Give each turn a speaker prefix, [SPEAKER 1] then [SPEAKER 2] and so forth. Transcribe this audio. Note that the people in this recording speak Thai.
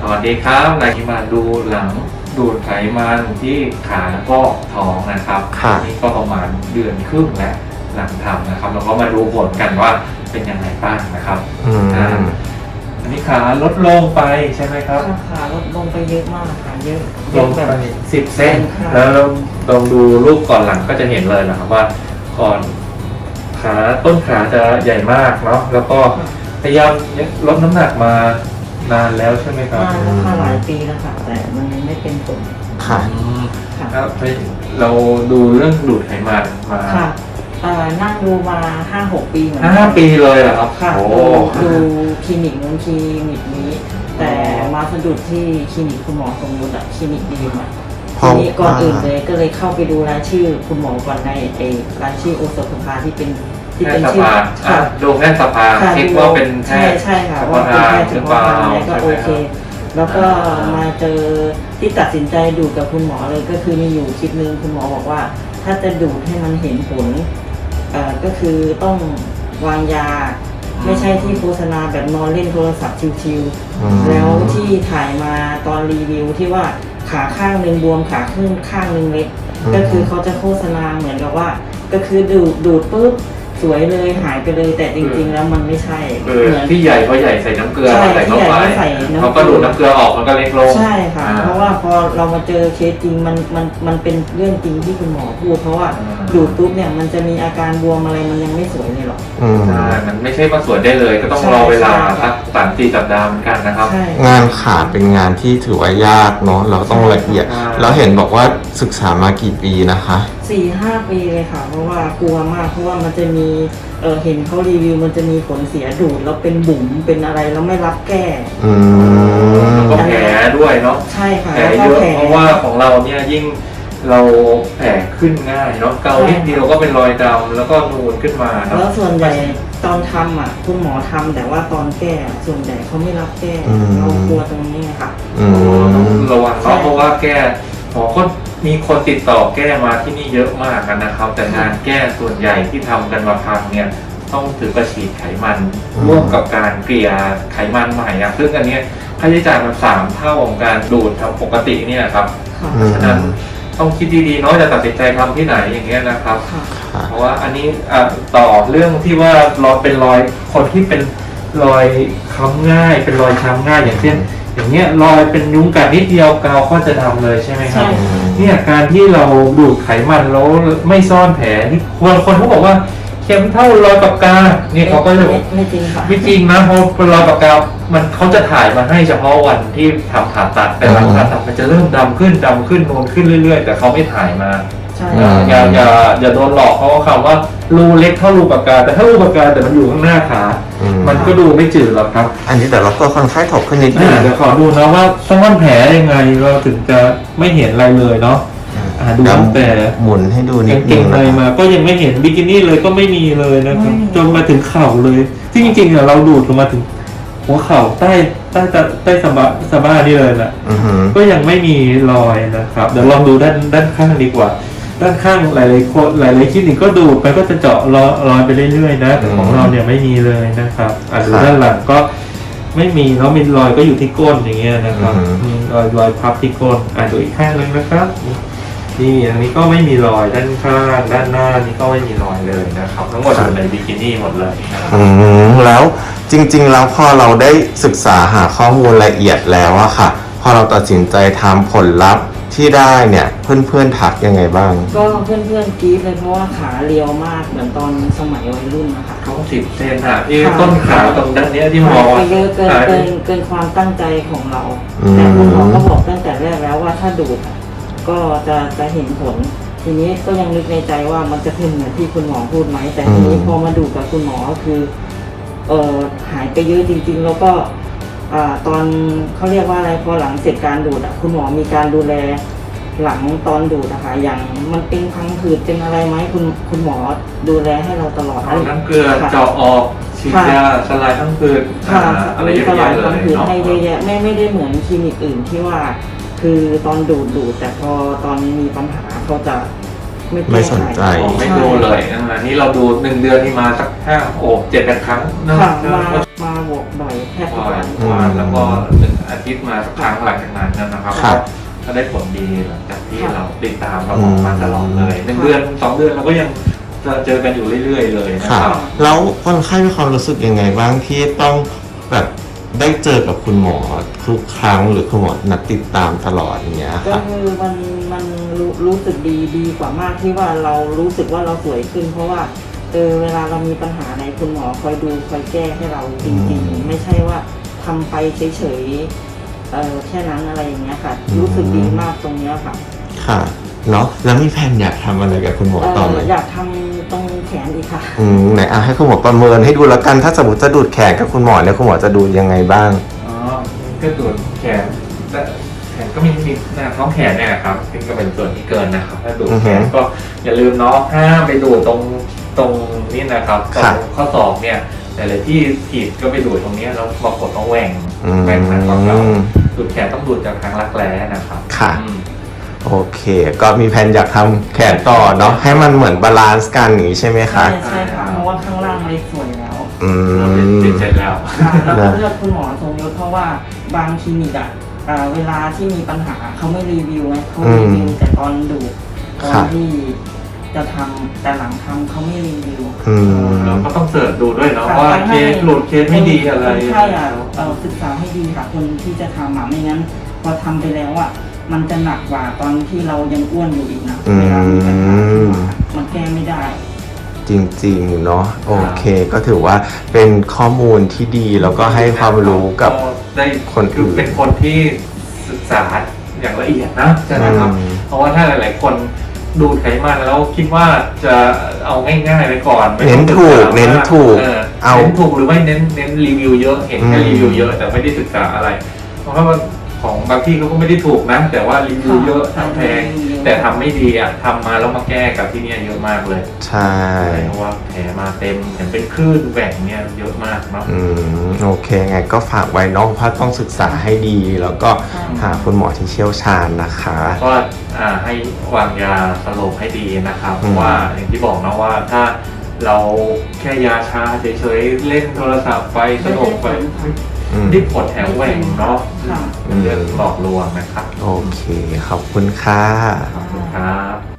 [SPEAKER 1] วัสดีครับรายนี้มาดูหลังดูดไขมันที่ขาแล้วก็ท้องนะครับนี่ก็ประมาณเดือนครึ่งแล้วหลังทำนะครับเราก็มาดูผลกันว่าเป็นยังไงบ้างนะครับอันนี้ขาลดลงไปใช่ไหมครับ
[SPEAKER 2] ขาลดลงไปเยอะมากค่ะเยอะ
[SPEAKER 1] ลงไป10 เซนแล้วลองดูรูปก่อนหลังก็จะเห็นเลยนะครับว่าก่อนขาต้นขาจะใหญ่มากเนาะแล้วก็พยายามลดน้ำหนักมานานแล้วใช่ไหมครับ
[SPEAKER 2] นานแล้วค่ะหลายปีแล้วค่ะแต่มันยังไม่เป็นผล
[SPEAKER 1] ค่ะครับเราดูเรื่องดูดไขมันมา
[SPEAKER 2] ค่ะนั่งดูมา 5-6 ปีเหมือน
[SPEAKER 1] กัน5 ปีเลยเหรอครับ
[SPEAKER 2] ค่ะดูคลินิกนู้นคลินิกนี้แต่มาสะดุดที่คลินิกคุณหมอสมมุติคลินิกดีมาทีนี้ก่อนอื่นเลยก็เลยเข้าไปดูรายชื่อคุณหมอก่อนในรายชื่อโอสถสภาที่เป็น
[SPEAKER 1] ชื่อดูแพทย์สภาคิดว่าเป็นแพทย์
[SPEAKER 2] ใช่ค่ะว่าเป็นแพทย์เฉพาะทางอะไรก็โอเคแล้วก็มาเจอที่ตัดสินใจดูดกับคุณหมอเลยก็คือมีอยู่คลิปนึงคุณหมอบอกว่าถ้าจะดูดให้มันเห็นผลก็คือต้องวางยาไม่ใช่ที่โฆษณาแบบนอนเล่นโทรศัพท์ชิวๆแล้วที่ถ่ายมาตอนรีวิวที่ว่าขาข้างหนึ่งบวมขาข้างหนึ่งเล็กก็คือเขาจะโฆษณาเหมือนกับว่าก็คือดูดปุ๊บสวยเลยหายไปเลยแต่จริงๆแล้วมันไม่ใช่
[SPEAKER 1] เหมือนที่ใหญ่เพราะใหญ่ใส่น้ำเกลือใส่เข้าไปเขาก็ดูดน้ำเกลือออกมันก็เล็กลง
[SPEAKER 2] ใช่ค่ะเพราะว่าพอเรามาเจอเคสจริงมันเป็นเรื่องจริงที่คุณหมอพูดเพราะว่าดูดปุ๊บเนี่ยมันจะมีอาการบวมอะไรมันยังไม่สวยเลยหรอก
[SPEAKER 1] ใช่มันไม่ใช่มาสวยได้เลยก็ต้องรอเวลาสัก3-4 สัปดาห์เหมือนกันนะครับ
[SPEAKER 3] งานขาเป็นงานที่ถือว่ายากเนาะเราต้องละเอียดแล้วเห็นบอกว่าศึกษามากี่ปีนะคะ
[SPEAKER 2] 4-5 ปีเลยค่ะเพราะว่ากลัวมากเพราะว่ามันจะมีเห็นเขารีวิวมันจะมีผลเสียดูดแล้วเป็นบุ๋มเป็นอะไรแล้วไม่รับแก้
[SPEAKER 1] แล้วก็แผลด้วยเนาะ
[SPEAKER 2] ใช่ค่ะ
[SPEAKER 1] แผลเยอะเพราะว่าของเราเนี่ยยิ่งเราแผลขึ้นง่ายเนาะเกานิดเดียวก็เป็นรอยดำแล้วก็นูนขึ้นมาเนาะ
[SPEAKER 2] แล้วส่วนใหญ่ตอนทำคุณหมอทำแต่ว่าตอนแก้ส่วนใหญ่เขาไม่รับแก้เรากลัวตรงนี้ค่ะ
[SPEAKER 1] ต้องระวังเพราะว่าแก้หมอก็มีคนติดต่อแก้มาที่นี่เยอะมากนะครับแต่งานแก้ส่วนใหญ่ที่ทำกันมาพังเนี่ยต้องถือกระฉีดไขมันร่วมกับการเกลี่ยไขมันใหม่ซึ่งอันนี้ค่าใช้จ่ายมัน3 เท่าของการดูดทำปกติเนี่ยครับฉะนั้นต้องคิดดีๆเนาะจะตัดสินใจทำที่ไหนอย่างเงี้ยนะครับเพราะว่าอันนี้ต่อเรื่องที่ว่ารอยเป็นรอยคนที่เป็นรอยค้ำง่ายเป็นรอยช้ำง่ายอย่างเช่นอย่างเงี้ยรอยเป็นยุงกัดนิดเดียวกาวก็จะดำเลยใช่ไหมครับเนี่ยการที่เราดูดไขมันแล้วไม่ซ่อนแผลที่คนเขาบอกว่าเข็มเท่ารอยปากกาเนี่ยเขาก็จะ
[SPEAKER 2] ไม่จริงค่ะ
[SPEAKER 1] ไม่จริงนะเพราะรอยปากกามันเขาจะถ่ายมาให้เฉพาะวันที่ทำผ่าตัดแต่หลังผ่าตัดมันจะเริ่มดำขึ้นนูนขึ้นเรื่อยๆแต่เขาไม่ถ่ายมาอย่าโดนหลอกเพราะคำว่ารูเล็กเท่ารูปากกาแต่ถ้ารูปากกาแต่มันอยู่ข้างหน้าขามันก็ดูไม่จืดหรอกครับ
[SPEAKER 3] อันนี้แต่เราก็ค่อนข้างถกขึ้นนิดนึง
[SPEAKER 1] เดี๋ยวขอดูนะว่าซ่อนแผลยังไงเราถึงจะไม่เห็นอะไรเลยเนาะดูแต่
[SPEAKER 3] หมุนให้ดูนิด
[SPEAKER 1] นึงอะไรมาก็ยังไม่เห็นบิกินี่เลยก็ไม่มีเลยนะครับจนมาถึงเข่าเลยที่จริงๆเราดูดลงมาถึงหัวเข่าใต้สะบ้านี่เลยนะก็ยังไม่มีรอยนะครับเดี๋ยวลองดูด้านข้างดีกว่าด้านข้างหลายคลินิกก็ดูดไปก็จะเจาะรอยไปเรื่อยๆนะแต่ของเราเนี่ยไม่มีเลยนะครับดูด้านหลังก็ไม่มีแล้วมีรอยก็อยู่ที่ก้นอย่างเงี้ยนะครับมีรอยพับที่ก้นดูอีกข้างนึงนะครับนี่อันนี้ก็ไม่มีรอยด้านข้างด้านหน้านี่ก็ไม่มีรอยเลยนะครับทั้งหมดอยู่ในบิกินี่หมดเลยนะครับ
[SPEAKER 3] แล้วจริงๆแล้วพอเราได้ศึกษาหาข้อมูลละเอียดแล้วอะค่ะพอเราตัดสินใจทำผลลัพธ์ที่ได้เนี่ยเพื่อนๆทักยังไงบ้าง
[SPEAKER 2] ก็เพื่อนๆกรี๊ดเลยเพราะว่าขาเรียวมากเหมือนตอนสมัยวัยรุ่นนะคะ
[SPEAKER 1] เขา10 เซนที่ต้นขาตรงด้านนี้ที่มอง
[SPEAKER 2] ไปเยอะเกินความตั้งใจของเราแต่คุณหมอก็บอกตั้งแต่แรกแล้วว่าถ้าดูดก็จะเห็นผลทีนี้ก็ยังนึกในใจว่ามันจะเป็นเหมือนที่คุณหมอพูดไหมแต่ทีนี้พอมาดูกับคุณหมอก็คือหายไปเยอะจริงๆแล้วก็ตอนเขาเรียกว่าอะไรพอหลังเสร็จการดูดคุณหมอมีการดูแลหลังตอนดูดนะคะอย่างมันเป็นพังผืดเป็นอะไรไหมคุณหมอดูแลให้เราตลอด
[SPEAKER 1] น้ำเกลือเจาะออกฉีดยาสลายพังผืดอะไรเยอะแยะเลย
[SPEAKER 2] ให้เยอะแยะไม่ได้เหมือนคลินิกอื่นที่ว่าคือตอนดูดแต่พอตอนมีปัญหาเขาจะ
[SPEAKER 3] ไม่สนใจ
[SPEAKER 1] ไม่ดูเลยนี่เราดู1 เดือนนี่มาสัก7-8 ครั้ง
[SPEAKER 2] มาบวกบ่อยแทบทุกวัน
[SPEAKER 1] แล้วก็1 อาทิตย์ทิตย์มาสักครั้งหลังจากนั้นนะครับ
[SPEAKER 3] ครับ
[SPEAKER 1] ก็ได้ผลดีหลังจากที่เราติดตามเราออกมาตลอดเลย1 เดือน 2 เดือนเราก็ยังจะเจอกันอยู่เรื่อยๆเลยนะ
[SPEAKER 3] ค่ะ
[SPEAKER 1] ครับ
[SPEAKER 3] แล้วคนไข้มีความรู้สึกยังไงบ้างที่ต้องแบบได้เจอกับคุณหมอทุกครั้งหรือคุณหมอนัดติดตามตลอดอย่างเงี้ย
[SPEAKER 2] ก็
[SPEAKER 3] ค่ะ
[SPEAKER 2] คือมันรู้สึกดีกว่ามากที่ว่าเรารู้สึกว่าเราสวยขึ้น เพราะว่าเวลาเรามีปัญหาอะไรคุณหมอคอยดูคอยแก้ให้เราจริงๆไม่ใช่ว่าทำไปเฉยๆแค่นั้นอะไรอย่างเงี้ยค่ะ รู้สึกดีมากตรงเนี้ยค่ะ
[SPEAKER 3] ค่ะเนาะแล้วมีแผนอยากทำอะไรกับคุณหมอต่อไหม
[SPEAKER 2] อยากทำตรงแขนอีกค่ะ
[SPEAKER 3] ไหนให้คุณหมอประเมินให้ดูแล้วกันถ้าสมมติจะดูดแขนกับคุณหมอเนี่ยคุณหมอจะดูยังไงบ้าง
[SPEAKER 1] อ๋อก็ดูดแขนแต่แขนก็มีหน้าท้องแขนเนี่ยครับซึ่งก็เป็นส่วนที่เกินนะครับถ้าดูดแขนก็อย่าลืมเนาะห้ามไปดูดตรงนี้นะครับตรงข้อศอกเนี่ยแต่ละที่ผิดก็ไปดูดตรงนี้แล้วบางคนต้องแหว่งทางของเราดูดแขนต้องดูดจากทางรักแร้นะครับ
[SPEAKER 3] ค่ะโอเค ก็มีแผนอยากทำแขนต่อเนาะให้มันเหมือนบาลานซ์กันอย่างนี้ใช่ไหมคะ
[SPEAKER 2] ใช่ค่ะเพราะว่าข้างล่างไม่สวยแล้ว
[SPEAKER 1] เราเป็นเสร็จแล้ว
[SPEAKER 2] แล้วก็เลือกคุณหมอทรงยศเพราะว่าบางคลินิกเวลาที่มีปัญหาเขาไม่รีวิวไงเขารีวิวแต่ตอนดูตอนที่จะทำแต่หลังทำเขาไม่รีวิว
[SPEAKER 1] เราก็ต้องเสิร์ชดูด้วยเนาะว่าเคสหลุดเคสไม่ดีอะไร
[SPEAKER 2] ใช่ศึกษาให้ดีค่ะคนที่จะทำไม่งั้นพอทำไปแล้วมันจะหนักกว่าตอนที่เรายังอ้วนอยู่อีกนะเวลามีปัญหาขึ้นมามันแก้ไม่ได้
[SPEAKER 3] จริงๆเนาะโอเค ก็ถือว่าเป็นข้อมูลที่ดีแล้วก็ให้ความรู้กับ
[SPEAKER 1] ได้
[SPEAKER 3] คนอื่น
[SPEAKER 1] คือเป็นคนที่ศึกษาอย่างละเอียดนะใช่ไหมครับ เพราะว่าถ้าหลายๆคนดูดไขมันแล้วคิดว่าจะเอาง่ายๆไปก่อนไม่
[SPEAKER 3] เน้
[SPEAKER 1] ต้
[SPEAKER 3] น
[SPEAKER 1] อง
[SPEAKER 3] ถูก
[SPEAKER 1] ศึษา
[SPEAKER 3] เน้นถูก
[SPEAKER 1] เอาเน้นถูกหรือไม่เน้นรีวิวเยอะเห็นแค่รีวิวเยอะแต่ไม่ได้ศึกษาอะไร เพราะว่าของบางที่เขาก็ไม่ได้ถูกนะ แต่ว่ารีวิวเยอะทั้งแพงแต่ทำไม่ดีทำมาแล้วมาแก้กับที่เนี่ยเยอะมากเลย
[SPEAKER 3] ใช่
[SPEAKER 1] เพราะว่าแผลมาเต็มเห็นเป็นคลื่นแหว่งเนี่ยเยอะมากเนาะ
[SPEAKER 3] โอเคไงก็ฝากไว้เน้องเพราะต้องศึกษาให้ดี แล้วก็หาคุณหมอที่เชี่ยวชาญนะคะ
[SPEAKER 1] ก็ให้วางยาสลบให้ดีนะครับเพราะว่าอย่างที่บอกนะว่าถ้าเราแค่ยาชาเฉยๆเล่นโทรศัพท์ไปสลบไปรีบผดแถวแหว่งเนาะเป็นเรื่องหลอกลวงนะครับ
[SPEAKER 3] โอเค ขอบคุณค่ะ
[SPEAKER 1] ขอบคุณครับ